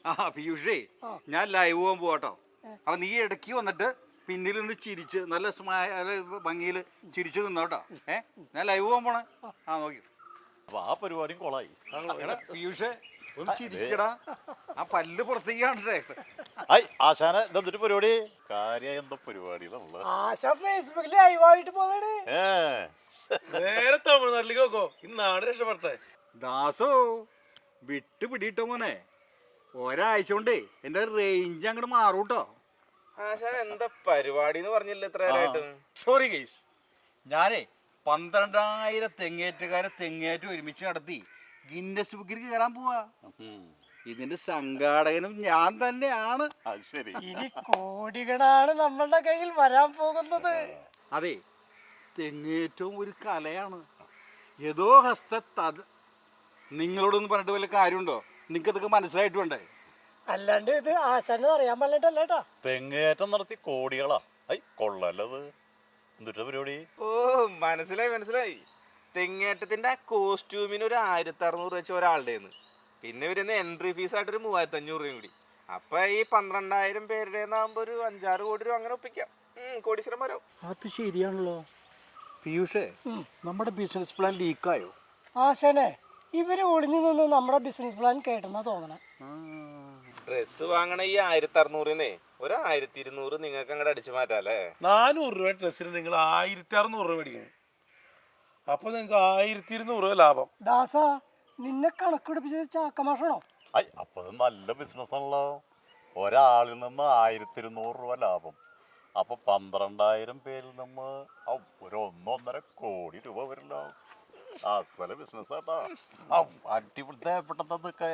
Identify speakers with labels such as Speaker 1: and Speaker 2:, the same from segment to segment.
Speaker 1: പീയൂഷേ ഞാൻ ലൈവ് പോകാൻ പോകട്ടോ. അപ്പൊ നീ ഇടയ്ക്ക് വന്നിട്ട് പിന്നിൽ നിന്ന് ചിരിച്ച് നല്ല ഭംഗിയിൽ ചിരിച്ചു നിന്നോട്ടോ. ഞാൻ ലൈവ് പോകാൻ പോണേ. നോക്കി
Speaker 2: അപ്പൊ ആ പരിപാടിയും കൊളായി.
Speaker 1: പീയൂഷേ ഒന്ന് ചിരിക്കടാ, ആ പല്ല് പുറത്തേക്ക് കാണട്ടെ.
Speaker 2: ആശാന എന്തൊരു പരിപാടി? കാര്യം എന്തോ പരിപാടി
Speaker 3: ഫേസ്ബുക്കിൽ ലൈവായിട്ട് പോവാണ്.
Speaker 4: നേരെ തമിഴ്നാട്ടിലേക്ക് നോക്കോ, ഇന്നാണ് രക്ഷപ്പെട്ടെ.
Speaker 1: ദാസോ വിട്ട് പിടിയിട്ടോ മോനെ, ഒരാഴ്ച കൊണ്ടേ എന്റെ റേഞ്ച് അങ്ങോട്ട് മാറൂട്ടോ.
Speaker 4: എന്താ പരിപാടി എന്ന് പറഞ്ഞില്ല ഇത്ര.
Speaker 1: സോറി ഗൈസ്, ഞാനേ 12,000 തെങ്ങേറ്റുകാരെ തെങ്ങേറ്റ് ഒരുമിച്ച് നടത്തി ഗിന്നസ് ബുക്കിൽ കയറാൻ പോവാ. ഇതിന്റെ സംഘാടകനും ഞാൻ തന്നെയാണ്.
Speaker 2: ശരി,
Speaker 3: ഇനി കോടികളാണ് നമ്മളുടെ കയ്യിൽ വരാൻ പോകുന്നത്.
Speaker 1: അതെ, തെങ്ങേറ്റവും ഒരു കലയാണ്. ഏതോ ഹസ്ത നിങ്ങളോടൊന്നും പറഞ്ഞിട്ട് വല്ല കാര്യമുണ്ടോ? നിങ്ങൾക്ക് ഇതൊക്കെ മനസ്സിലായിട്ട് വേണ്ടേ?
Speaker 3: അല്ലാണ്ട് ഇത് ആശാന് അറിയാൻ പാടില്ലട്ടോ.
Speaker 2: തെങ്ങേറ്റം നടത്തി കോടികളാ. കൊള്ളല്ലത്. എന്തിട്ട പരിപാടി?
Speaker 4: ഓ മനസ്സിലായി. തെങ്ങേറ്റത്തിന്റെ ആ കോസ്റ്റ്യൂമിന് ഒരു 1600 വെച്ച് ഒരാളുടെ. പിന്നെ വരുന്ന എൻട്രി ഫീസ് ആയിട്ടൊരു 3500 രൂപയും കൂടി. അപ്പൊ ഈ 12,000 പേരുടെ ആകുമ്പോ ഒരു 5-6 കോടി രൂപ അങ്ങനെ ഒപ്പിക്കാം. കോടീശ്വരം വരും.
Speaker 1: അത് ശരിയാണല്ലോ പീയൂഷേ. നമ്മുടെ ബിസിനസ് പ്ലാൻ ലീക്കായോ?
Speaker 3: ആശാനെ, ഇവര് ഒളിഞ്ഞു നിന്ന് നമ്മുടെ ബിസിനസ് പ്ലാൻ കേട്ടെന്നാ തോന്നണേ.
Speaker 4: ഡ്രസ് വാങ്ങണ ഈ 1600 ഒരു 1200 നിങ്ങൾക്ക് അങ്ങോട്ട് അടിച്ചു മാറ്റാല്ലേ.
Speaker 5: 400 രൂപ ഡ്രസ്സിന് നിങ്ങൾ 1600 രൂപ മേടിക്കണം. അപ്പൊ നിങ്ങൾക്ക് 1200 രൂപ ലാഭം.
Speaker 3: ദാസ, നിന്നെ കണക്കെടുപ്പിച്ചത് ചാക്കമാഷാണോ?
Speaker 2: അപ്പൊ നല്ല ബിസിനസ് ആണല്ലോ. ഒരാളിൽ നിന്ന് 1200 രൂപ ലാഭം. അപ്പൊ 12,000 പേരിൽ നിന്ന് ഒരു 1-1.5 കോടി രൂപ വരില്ലോ. അസല ബിസിനസ് ആട്ടാ. അടിപൊളിപ്പെട്ടതൊക്കെ.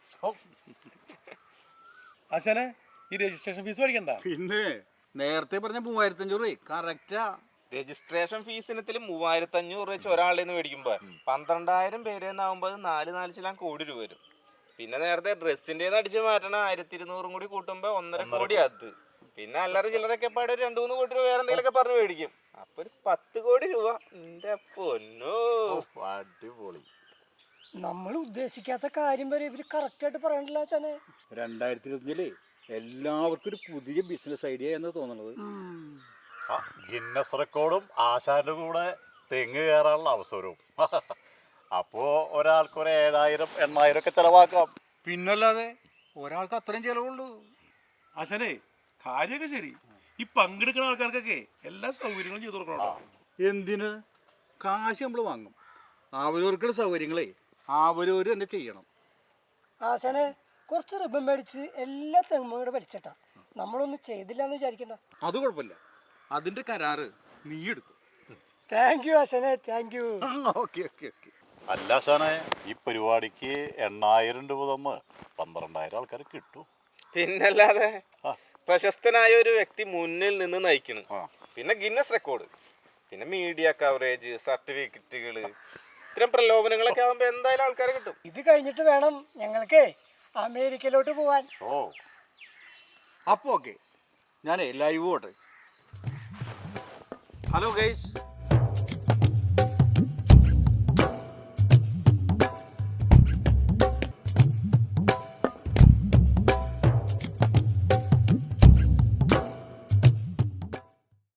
Speaker 5: ആശാനെ, ഈ രജിസ്ട്രേഷൻ ഫീസ് മേടിക്കണ്ട.
Speaker 1: പിന്നെ നേരത്തെ പറഞ്ഞ 3,500 രൂപ കറക്റ്റാ.
Speaker 4: രജിസ്ട്രേഷൻ ഫീസ് ഇനത്തിൽ 3,500 വെച്ച് ഒരാളുടെ നിന്ന് മേടിക്കുമ്പോ 12,000 പേരെന്നാവുമ്പോ 4 കോടി രൂപ വരും. പിന്നെ നേരത്തെ ഡ്രസ്സിന്റെ അടിച്ച് മാറ്റണ 1200 കൂടി കൂട്ടുമ്പോ 1.5 കോടി. അത് പിന്നെ അല്ലറ ചില്ലറൊക്കെ പാടെ 2-3 കോടി രൂപ വേറെ എന്തെങ്കിലുമൊക്കെ പറഞ്ഞു മേടിക്കും. അപ്പൊ ഒരു 10 കോടി രൂപ. എന്റെ പൊന്നോ,
Speaker 2: അടിപൊളി.
Speaker 3: നമ്മൾ ഉദ്ദേശിക്കാത്ത കാര്യം വരെ ഇവര് കറക്റ്റ് ആയിട്ട് പറയണില്ല ആശാനെ.
Speaker 1: 2025 എല്ലാവർക്കും ഒരു പുതിയ ബിസിനസ് ഐഡിയ എന്ന് തോന്നുന്നത്.
Speaker 2: ഗിന്നസ് റെക്കോർഡും ആശാന്റെ കൂടെ തെങ്ങ് കയറാനുള്ള അവസരവും. അപ്പോ ഒരാൾക്ക് ഒരു 7,000-8,000 ഒക്കെ ചെലവാക്കാം.
Speaker 1: പിന്നല്ലാതെ ഒരാൾക്ക് അത്രയും ചെലവുള്ളൂ.
Speaker 5: ആശാനെ, കാര്യമൊക്കെ ശരി. ഈ പങ്കെടുക്കുന്ന ആൾക്കാർക്കൊക്കെ എല്ലാ സൗകര്യങ്ങളും ചെയ്തു കൊടുക്കണം.
Speaker 1: എന്തിന്? കാശ് നമ്മൾ വാങ്ങും. അവരവർക്കുള്ള സൗകര്യങ്ങളെ അവരവർ തന്നെ ചെയ്യണം.
Speaker 3: ആശാനെ, കുറച്ച് റിബൺ മേടിച്ച് എല്ലാ തെങ്ങും കൂടെ വലിച്ചിട്ടാ. നമ്മളൊന്നും ചെയ്തില്ല എന്ന് വിചാരിക്കണ്ട.
Speaker 1: അത് കുഴപ്പമില്ല, അതിന്റെ കരാറ് നീ എടുത്തു.
Speaker 3: താങ്ക് യു ആശാനെ, thank you.
Speaker 1: Okay okay okay.
Speaker 2: അല്ല ആശാനെ, ഈ പരിപാടിക്ക് 8,000 രൂപ തന്ന് 12,000 ആൾക്കാർ കിട്ടും.
Speaker 4: പിന്നല്ലാതെ പ്രശസ്തനായ ഒരു വ്യക്തി മുന്നിൽ നിന്ന് നയിക്കണം. പിന്നെ ഗിന്നസ് റെക്കോർഡ്, പിന്നെ മീഡിയ കവറേജ്, സർട്ടിഫിക്കറ്റുകള്, ഇത്തരം പ്രലോഭനങ്ങളൊക്കെ ആകുമ്പോ എന്തായാലും ആൾക്കാരെ കിട്ടും.
Speaker 3: ഇത് കഴിഞ്ഞിട്ട് വേണം ഞങ്ങൾക്ക് അമേരിക്കയിലോട്ട് പോവാൻ.
Speaker 1: അപ്പോൾ ഓക്കെ, ഞാനേ ലൈവ് പോട്ടെ. Hello guys,